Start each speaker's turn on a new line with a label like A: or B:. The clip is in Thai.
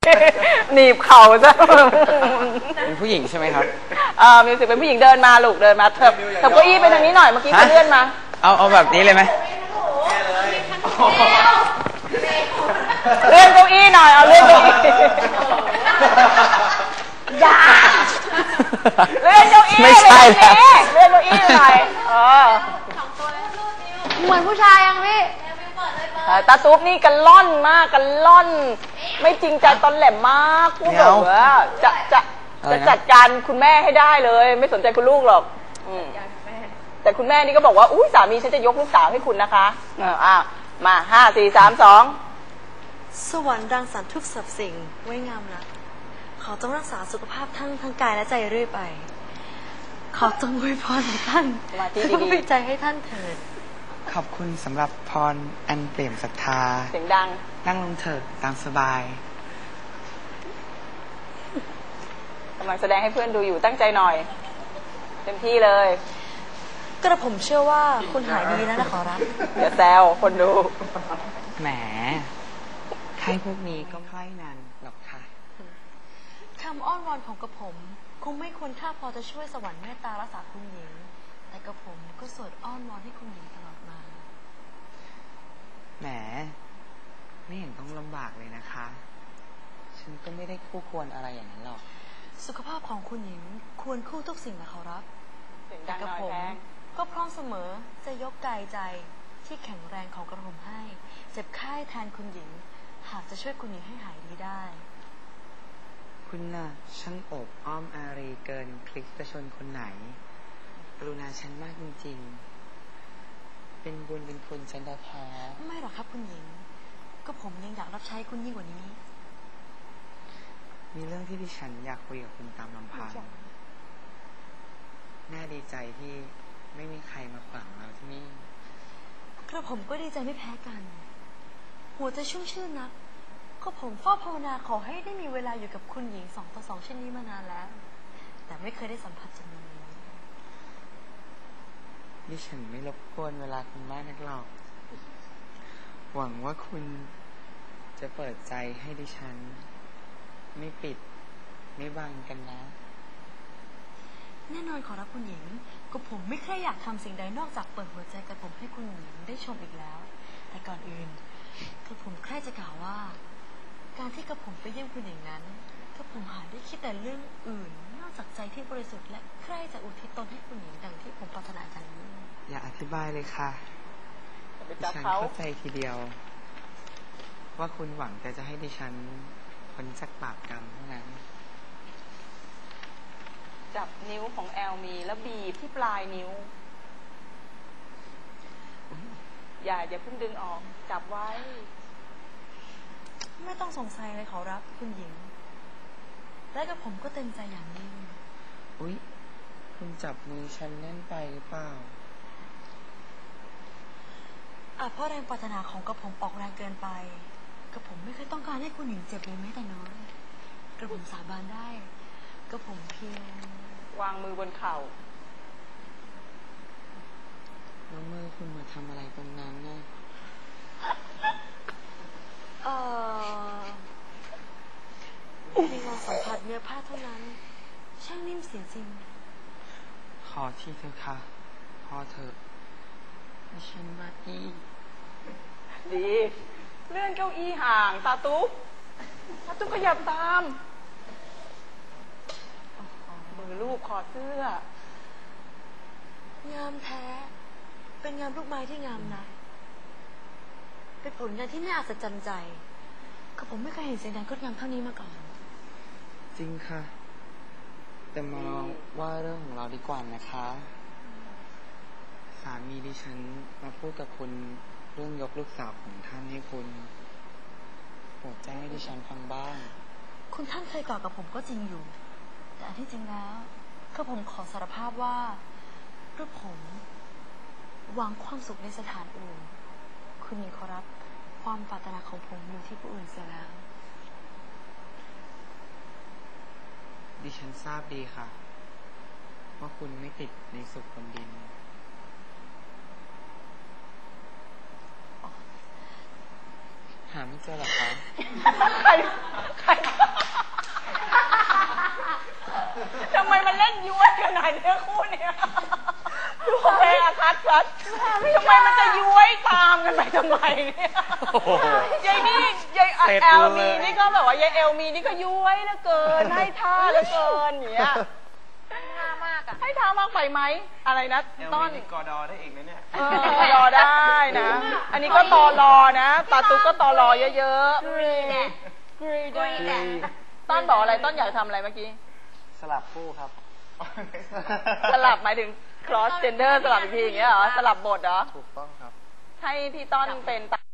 A: หนีบเข่าซะ
B: เป็นผู้หญิงใช่ไหมครับ
A: มิวสิกเป็นผู้หญิงเดินมาลูกเดินมาเถิบเก้าอี้ไปทางนี้หน่อยเมื่อกี้เขาเลื่อนมา
B: เอาแบบนี้เลยไหม
A: เลื่อนเก้าอี้หน่อยเอาเลื่อนเก้าอี้อย่าเลื่อนเก้าอี้
B: ไม่ใช่แล้ว
A: เลื่อนเก้าอี้หน่อย
C: เหมือนผู้ชายยังพี่
A: ตาตุ๊บนี่กันล่อนมากกันล่อนไม่จริงใจตอนแหลมมากพูดแบบว่าจะจัดการคุณแม่ให้ได้เลยไม่สนใจคุณลูกหรอกแต่คุณแม่นี่ก็บอกว่าอุ้ยสามีฉันจะยกลูกสาวให้คุณนะคะมา5 4 3 2
C: สวรรค์รังสรรค์ทุกสรรพสิ่งไว้งามนะขอจงรักษาสุขภาพทั้งกายและใจเรื่อยไปขอจงอวยพรของท่านจงเป็นใจให้ท่านเถิด
B: ขอบคุณสำหรับพรอันเปี่ยมศรัทธา
A: เสียงดัง
B: นั่งลงเถิดตามสบาย
A: กำลังแสดงให้เพื่อนดูอยู่ตั้งใจหน่อยเต็มที่เลย
C: กระผมเชื่อว่าคุณหายดีแล้วนะขอรับ
A: อย่าแซวคนดู
B: แหมใครพวกนี้ก็ค่อยนานหรอกค่ะ
C: คำอ้อนวอนของกระผมคงไม่ควรค่าพอจะช่วยสวรรค์เมตตารักษาคุณหญิงแต่กระผมก็สวดอ้อนวอนให้คุณหญิงตลอดมา
B: แหมไม่เห็นต้องลำบากเลยนะคะฉันก็ไม่ได้คู่ควรอะไรอย่างนั้นหรอก
C: สุขภาพของคุณหญิงควรคู่ทุกสิ่งนะขอรับ
A: แต่กระผม
C: ก็พร้อมเสมอจะยกกายใจที่แข็งแรงของกระผมให้เจ็บไข้แทนคุณหญิงหากจะช่วยคุณหญิงให้หายดีได้
B: คุณน่ะช่างโอบอ้อมอารีเกินพลิกประชนคนไหนกรุณาฉันมากจริงๆเป็นบุญเป็นคุณฉันแท้
C: ไม่หรอกครับคุณหญิงก็ผมยังอยากรับใช้คุณยิ่งกว่านี้
B: มีเรื่องที่ดิฉันอยากคุยกับคุณตามลำพังน่าดีใจที่ไม่มีใครมาขวางเราที่นี่
C: กระผมก็ดีใจไม่แพ้กันหัวใจชุ่มชื่นนักก็ผมเฝ้าภาวนาขอให้ได้มีเวลาอยู่กับคุณหญิง2 ต่อ 2เช่นนี้มานานแล้วแต่ไม่เคยได้สัมผัสจำนวนนี้
B: ดิฉันไม่รบกวนเวลาคุณมากนักหรอกหวังว่าคุณจะเปิดใจให้ดิฉันไม่ปิดไม่บังกันนะ
C: แน่นอนขอรับคุณหญิงก็ผมไม่เคยอยากทำสิ่งใดนอกจากเปิดหัวใจกับผมให้คุณหญิงได้ชมอีกแล้วแต่ก่อนอื่นก็ผมแค่จะกล่าวว่าการที่กระผมไปเยี่ยมคุณหญิงนั้นก็ผมหาได้คิดแต่เรื่องอื่นนอกจากใจที่บริสุทธิ์และใคร่จะอุทิศตนให้คุณหญิงดังที่ผมปรารถนากันนี้
B: อย่าอธิบายเลยค่ะดิฉันเข้าใจทีเดียวว่าคุณหวังแต่จะให้ดิฉันพ้นจากบาปกรรมเท่านั้น
A: จับนิ้วของแอลมีแล้วบีบที่ปลายนิ้วอย่าเพิ่งดึงออกจับไว้
C: ไม่ต้องสงสัยเลยขอรับคุณหญิงและกับผมก็เต็มใจอย่างยิ่ง
B: อุ๊ยคุณจับมือฉันแน่นไปหรือเปล่า
C: เพราะแรงปรารถนาของกระผมออกแรงเกินไปกระผมไม่เคยต้องการให้คุณหญิงเจ็บเลยแม้แต่น้อยกระผมสาบานได้กระผมเพียง
A: วางมือบนเข่า
B: แล้วมือคุณมาทำอะไรตรงนั้นนะ
C: มีงานสัมผัสเนื้อผ้าเท่านั้นช่างนิ่มเสียจริง
B: ขอที่เธอค่ะพอเธอให้ฉันมาดี
A: เลื่อนเก้าอี้ห่างตาตุ๊กขยับตามมือลูกคอเสื้
C: องามแท้เป็นงามลูกไม้ที่งามนะเป็นผลงานที่น่าอัศจรรย์ใจก็ผมไม่เคยเห็นสิ่งใดงดงามเท่านี้มาก่อน
B: จริงค่ะแต่มาว่าเรื่องของเราดีกว่านะคะสามีดิฉันมาพูดกับคุณเรื่องยกลูกสาวของท่านให้คุณโปรดแจ้งให้ดิฉันฟังบ้าง
C: คุณท่านเคยกล่าวกับผมก็จริงอยู่แต่อันที่จริงแล้วก็ผมขอสารภาพว่าเรื่องผมหวังความสุขในสถานอื่นคุณหญิงขอรับความปรารถนาของผมอยู่ที่ผู้อื่นเสียแล้ว
B: ดิฉันทราบดีค่ะว่าคุณไม่ติดในสุขบนดินหาไม่เจอหรอคะ
A: ใครทำไมเนี่ย
B: โอ้โห
A: ยายนี่ยาย
B: เสร็จ
A: แอล
B: เล
A: มี
B: ย
A: นี่ก็แบบว่ายายแอลมีนี่ก็ย้วยเหลือเกิน ให้ท่าเหลือเกินอย่างเงี้ย
C: ท่ามากอ่ะ
A: ให้ท่ามากไปไหมอะไรนะต้น
B: กอดอได้อีกนะเนี่ย
A: รอได้นะ อันนี้ก็ตอรอนะตาตุ๊กก็ตอรอเยอะๆ
C: กรีแน่
A: กรีแด
C: กรีแน่
A: ต้นบอกอะไรต้นอยากทำอะไรเมื่อกี้
B: สลับคู่ครับ
A: สลับหมายถึง cross gender สลับอีกทีอย่างเงี้ยเหรอ สลับบทเหรอ
B: ถูกต้องครับ
A: ให้พี่ต้นเป็น